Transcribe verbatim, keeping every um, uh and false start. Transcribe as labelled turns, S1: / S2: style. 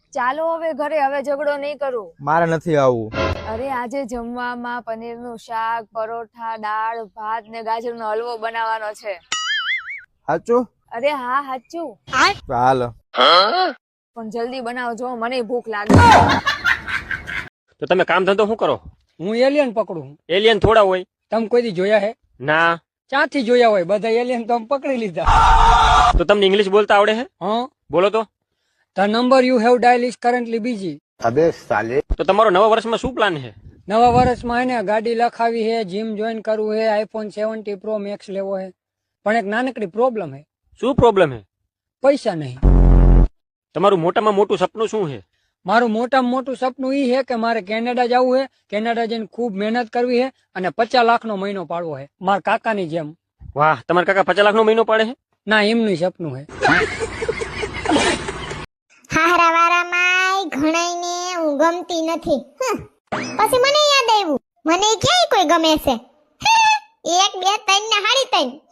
S1: ચાલો હવે ઘરે, હવે ઝઘડો નહીં કરું.
S2: મારે નથી આવું.
S1: અરે આજે જમવામાં પનીરનું શાક, પરોઠા, દાળ ભાત ને ગાજરનો હલવો બનાવવાનો છે.
S2: સાચું?
S1: અરે હા સાચું.
S2: હાલ.
S1: પણ જલ્દી બનાવજો, મને ભૂખ લાગે.
S3: તો તમે કામ ધંધો શું કરો?
S4: હું એલિયન પકડું.
S3: એલિયન થોડા હોય.
S4: તમે કોઈ દી જોયા હે?
S3: ના.
S4: ક્યાંથી જોયા હોય? બધા એલિયન તો અમે પકડી લીધા.
S3: તો તમને ઇંગ્લિશ બોલતા આવડે છે?
S4: હા.
S3: બોલો તો.
S4: The number you have dialed is currently busy.
S2: અબે સાલે.
S3: તો તમારો નવા વર્ષમાં શું પ્લાન છે?
S4: નવા વર્ષમાં એને ગાડી લખાવી હે, જીમ જોઈન કરવું હે, આઈફોન સેવન્ટી પ્રો મેક્સ લેવો હે. પણ એક નાનકડી પ્રોબ્લેમ હે.
S3: શું પ્રોબ્લેમ છે?
S4: પૈસા નહીં.
S3: તમારું મોટામાં મોટું સપનું શું છે?
S4: મારું મોટામાં મોટું સપનું ઈ હે કે મારે કેનેડા જવું હે, કેનેડા જઈને ખૂબ મહેનત કરવી હે અને પચાસ લાખનો મહિનો પાડવો હે, મારા કાકાની જેમ.
S3: વાહ, તમારા કાકા પચાસ લાખનો મહિનો પાડે છે?
S4: ના, એમનું સપનું હે.
S5: હારા વારામાં ઘણાઈને હું ગમતી નથી. પછી મને યાદ આવ્યું, મને ક્યાંય કોઈ ગમે છે. એક બે ત્રણ ને હાડી ત્રણ